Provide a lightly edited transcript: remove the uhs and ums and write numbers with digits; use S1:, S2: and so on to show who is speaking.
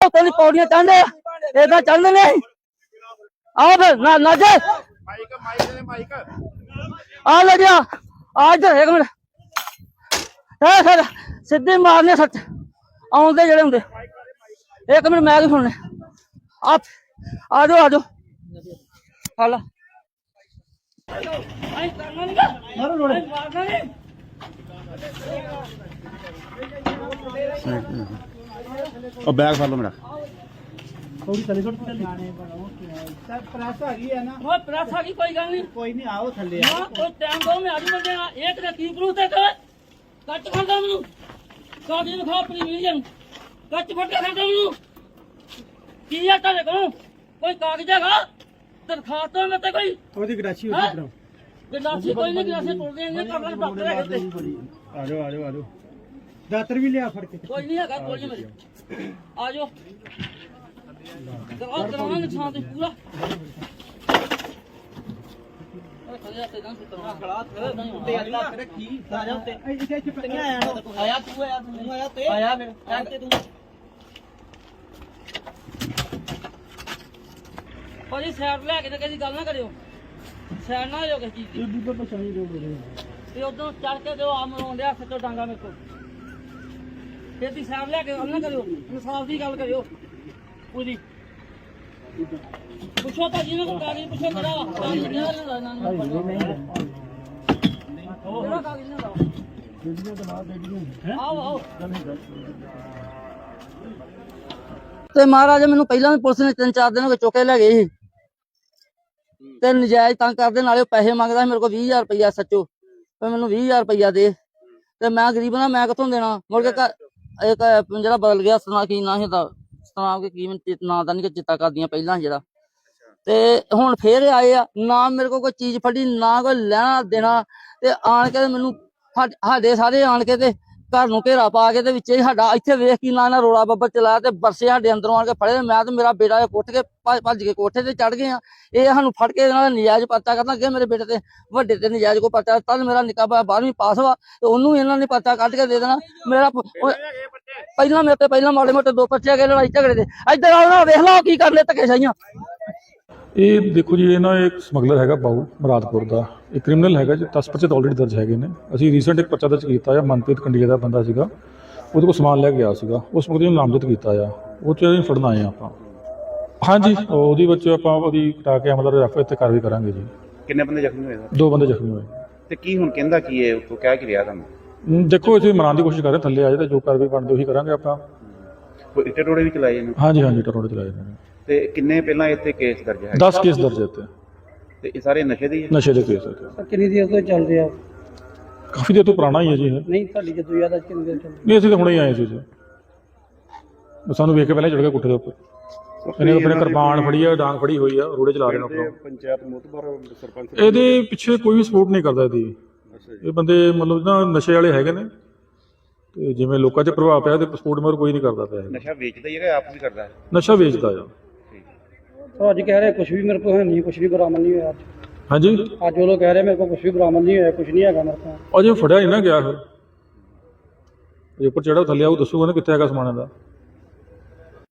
S1: तेरी पौड़ियां चढ़ने इदा चढ़ने नहीं आओ फिर ना जे आ ले गया आ इधर एक मिनट फिर सीधे मारने सच आउंदे जेड़े हुंदे एक मिनट मैं भी सुनने आप आ जाओ हाल
S2: और बैग फड़ लो मेरा
S3: थोड़ी चली सर प्रेस आ गई है ना
S1: वो प्रेस आ गई कोई गल नहीं
S3: कोई नहीं आओ थल्ले
S1: हां कोई टाइम दो मैं आज बंदे एक ने की प्रूफ दे कर कट खाता मेनू कागज दिखा अपनी वीडियो कट फट के खाता मेनू की है तेरे को कोई कागज हैगा दरखास्त तो मैं कोई
S3: ओदी गराची होती करो
S1: गिलासी कोई नहीं गिलासी तोड़ देंगे कर डॉक्टर है
S3: आ जाओ दातर भी लिया फड़ के
S1: कोई नहीं हैगा कोई नहीं मेरी आ जाओ और कराना निशान ते पूरा ਭਾਜੀ ਸਾਈਡ ਲੈ ਕੇ ਤੇ ਕਿਸੇ ਗੱਲ ਨਾ ਕਰਿਓ ਸਾਈਡ ਨਾ ਹੋਇਓ ਕਿਸੇ ਚੀਜ਼ ਦੀ ਤੇ ਉਦੋਂ ਚੜ ਕੇ ਦਿਓ ਆ ਮਰੋਂਦੇ ਹੱਥ ਤੋਂ ਡਾਂਗਾ ਮੇਰੇ ਕੋਲ ਫਿਰ ਦੀ ਸਾਈਡ ਲੈ ਕੇ ਗੱਲ ਨਾ ਕਰਿਓ ਇਨਸਾਫ ਦੀ ਗੱਲ ਕਰਿਓ ਪੂਰੀ ਪੁੱਛੋ ਤਾਂ ਜਿਹਨੇ ਕੋ ਕਾਗਜ਼ ਪੁੱਛੋ ਕਿਹੜਾ ਕਾਗਜ਼ ਕਿਹੜਾ ਲੈਂਦਾ ਇਹਨਾਂ ਨੂੰ ਕਿਹੜਾ ਕਾਗਜ਼ ਲੈਂਦਾ ਆਓ ਤੇ ਮਹਾਰਾਜ ਮੈਨੂੰ ਪਹਿਲਾਂ ਵੀ ਪੁਲਿਸ ਨੇ 3-4 ਦਿਨ ਹੋ ਗਏ ਚੁੱਕੇ ਲੈ ਗਏ ਸੀ ਤੇ ਨਜਾਇਜ਼ ਤੰਗ ਕਰਦੇ ਨਾਲੇ ਪੈਸੇ ਮੰਗਦਾ ਮੇਰੇ ਕੋਲ 20000 ਰੁਪਇਆ ਸੱਚੋ ਤੇ ਮੈਨੂੰ 20000 ਰੁਪਇਆ ਦੇ ਤੇ ਮੈਂ ਗਰੀਬ ਨਾ ਮੈਂ ਕਿੱਥੋਂ ਦੇਣਾ ਮੁੜ ਕੇ ਇੱਕ ਜਿਹੜਾ ਬਦਲ ਗਿਆ ਸੁਣਾ ਕੀ ਨਾ ਹੁੰਦਾ ਸੁਣਾ ਕੇ ਕੀ ਨਾਂ ਦਾ ਨਹੀਂ ਚਿੱਤਾ ਕਰਦੀਆਂ ਪਹਿਲਾਂ ਜਿਹੜਾ ਤੇ ਹੁਣ ਫੇਰ ਆਏ ਆ ਨਾ ਮੇਰੇ ਕੋਲ ਕੋਈ ਚੀਜ਼ ਫੜੀ ਨਾ ਕੋਈ ਲੈਣਾ ਦੇਣਾ ਤੇ ਆਣ ਕੇ ਮੈਨੂੰ ਸਾਡੇ ਸਾਰੇ ਆਣ ਕੇ ਤੇ ਘਰ ਨੂੰ ਘੇਰਾ ਪਾ ਕੇ ਤੇ ਵਿੱਚ ਹੀ ਸਾਡਾ ਇੱਥੇ ਵੇਖ ਕੀ ਨਾ ਰੋਲਾ ਬੱਬਰ ਚਲਾਇਆ ਤੇ ਬਰਸੇ ਸਾਡੇ ਅੰਦਰੋਂ ਆਣ ਕੇ ਫੜੇ ਮੈਂ ਤੇ ਮੇਰਾ ਬੇਟਾ ਉੱਠ ਕੇ ਭੱਜ ਕੇ ਕੋਠੇ ਤੇ ਚੜ ਗਏ ਆ ਇਹ ਸਾਨੂੰ ਫੜ ਕੇ ਇਹਨਾਂ ਦਾ ਨਜਾਇਜ਼ ਪਰਚਾ ਕਰਨਾ ਅੱਗੇ ਮੇਰੇ ਬੇਟੇ ਤੇ ਵੱਡੇ ਤੇ ਨਜਾਇਜ਼ ਕੋ ਪਰਚਾ ਤਦ ਮੇਰਾ ਨਿੱਕਾ 12ਵੀਂ ਪਾਸ ਵਾ ਤੇ ਉਹਨੂੰ ਇਹਨਾਂ ਨੇ ਪਰਚਾ ਕੱਢ ਕੇ ਦੇ ਦੇਣਾ ਮੇਰਾ ਪਹਿਲਾਂ ਮੇਰੇ ਤੇ ਪਹਿਲਾਂ ਮਾੜੇ ਮੋਟੇ 2 ਪਰਚੇ ਗਏ ਲੜਾਈ ਝਗੜੇ ਦੇ ਇੱਧਰ ਆਓ ਨਾ ਵੇਖ ਲਓ ਕੀ ਕਰਨੇ ਧੱਕੇ ਸਾਈਆਂ
S4: ਇਹ ਦੇਖੋ ਜੀ ਇਹ ਨਾ ਇੱਕ ਸਮਗਲਰ ਹੈਗਾ ਬਾਊ ਮੁਰਾਦਪੁਰ ਦਾ ਇਹ ਕ੍ਰਿਮੀਨਲ ਹੈਗਾ ਜੀ 10 ਪਰਚੇ ਆਲਰੇਡੀ ਦਰਜ ਹੈਗੇ ਨੇ ਅਸੀਂ ਰੀਸੈਂਟ ਇੱਕ ਪਰਚਾ ਦਰਜ ਕੀਤਾ ਆ ਮਨਪ੍ਰੀਤ ਕੰਡੀਆ ਦਾ ਬੰਦਾ ਸੀਗਾ ਉਹਦੇ ਕੋਲ ਸਮਾਨ ਲੈ ਕੇ ਗਿਆ ਸੀਗਾ ਉਸ ਮੁਕਦੇ ਨੂੰ ਨਾਮਜ਼ਦ ਕੀਤਾ ਆ ਉਹ 'ਚ ਅਸੀਂ ਫੜਨ ਆਏ ਆਪਾਂ ਹਾਂਜੀ ਉਹਦੀ ਵਿੱਚ ਆਪਾਂ ਉਹਦੀ ਕਟਾ ਕੇ ਅਮਲ ਰੈਫਰ ਤੇ ਕਾਰਵਾਈ ਕਰਾਂਗੇ ਜੀ
S2: ਕਿੰਨੇ ਬੰਦੇ ਜ਼ਖਮੀ ਹੋਏ
S4: 2 ਬੰਦੇ ਜ਼ਖਮੀ ਹੋਏ
S2: ਤੇ ਕੀ ਹੁਣ ਕਹਿੰਦਾ ਕੀ ਹੈ ਉਤੋਂ ਕਹਿ ਕੀ ਰਿਹਾ ਤੁਹਾਨੂੰ
S4: ਦੇਖੋ ਅਸੀਂ ਮਨਾਉਣ ਦੀ ਕੋਸ਼ਿਸ਼ ਕਰ ਰਹੇ ਥੱਲੇ ਆ ਜਾਏ ਤਾਂ ਜੋ ਕਾਰਵਾਈ ਬਣਦੀ ਉਹੀ ਕਰਾਂਗੇ ਆਪਾਂ
S2: ਕੋਈ ਇੱਟੇ ਟੋੜੇ ਵੀ ਚਲਾਏ ਨੇ
S4: ਹਾਂਜੀ ਟਰੋੜੇ ਚਲਾਏ ਨੇ
S2: ਤੇ ਕਿੰਨੇ ਪਹਿਲਾਂ ਇੱਥੇ ਕੇਸ ਦਰਜ ਹੈ
S4: 10 ਕੇਸ ਦਰਜ ਇੱਥੇ
S2: ਤੇ ਇਹ ਸਾਰੇ ਨਸ਼ੇ ਦੇ ਹੀ ਹੈ
S4: ਨਸ਼ੇ ਦੇ ਕੇਸ ਇੱਥੇ
S3: ਕਿੰਨੀ ਦੇਰ ਤੋਂ ਚੱਲ ਰਿਹਾ
S4: ਕਾਫੀ ਦੇਰ ਤੋਂ ਪੁਰਾਣਾ ਹੀ ਹੈ ਜੀ ਇਹ
S3: ਨਹੀਂ ਤੁਹਾਡੀ ਜਦੋਂ ਯਾਦ ਆ ਕਿੰਨੀ ਦੇਰ ਚੱਲ
S4: ਨਹੀਂ ਅਸੀਂ ਤਾਂ ਹੁਣੇ ਹੀ ਆਏ ਸੀ ਜੀ ਸਾਨੂੰ ਵੇਖ ਕੇ ਪਹਿਲਾਂ ਚੜ ਗਿਆ ਕੁੱਠੇ ਦੇ ਉੱਪਰ ਇਹਨੇ ਆਪਣੇ ਕਿਰਪਾਨ ਫੜੀ ਆ ਡਾਂਗ ਫੜੀ ਹੋਈ ਆ ਰੋੜੇ ਚਲਾ ਰਹੇ ਨੇ ਆਪਣਾ
S2: ਪੰਚਾਇਤ ਮੁਤਬਰ ਸਰਪੰਚ
S4: ਇਹਦੇ ਪਿੱਛੇ ਕੋਈ ਵੀ ਸਪੋਰਟ ਨਹੀਂ ਕਰਦਾ ਇਹਦੀ ਇਹ ਬੰਦੇ ਮਤਲਬ ਨਾ ਨਸ਼ੇ ਵਾਲੇ ਹੈਗੇ ਨੇ ਤੇ ਜਿਵੇਂ ਲੋਕਾਂ 'ਚ ਪ੍ਰਭਾਵ ਪਿਆ ਤੇ ਸਪੋਰਟ ਮਗਰ ਕੋਈ ਨਹੀਂ ਕਰਦਾ ਪਿਆ
S2: ਨਸ਼ਾ ਵੇਚਦਾ ਹੀ ਹੈਗਾ ਆਪ ਵੀ ਕਰਦਾ ਹੈ
S4: ਨਸ਼ਾ ਵੇਚਦਾ ਆ
S3: ਅੱਜ ਕਹਿ ਰਹੇ ਕੁਝ ਵੀ ਮੇਰੇ ਕੋਲ ਹੈ ਨਹੀਂ ਕੁਝ ਵੀ ਬਰਾਮਦ ਨਹੀਂ ਹੋਇਆ
S4: ਹਾਂਜੀ
S3: ਅੱਜ ਉਹ ਲੋਕ ਕਹਿ ਰਹੇ ਮੇਰੇ ਕੋਲ ਕੁਝ ਵੀ ਬਰਾਮਦ ਨਹੀਂ ਹੋਇਆ ਕੁਝ ਨਹੀਂ ਹੈਗਾ ਮੇਰੇ ਕੋਲ
S4: ਅਜੇ ਫੜਿਆ ਨਹੀਂ ਨਾ ਗਿਆ ਫਿਰ ਜੇ ਉੱਪਰ ਚੜਾ ਥੱਲੇ ਆਊ ਦੱਸੂਗਾ ਨਾ ਕਿੱਥੇ ਹੈਗਾ ਸਮਾਨ ਦਾ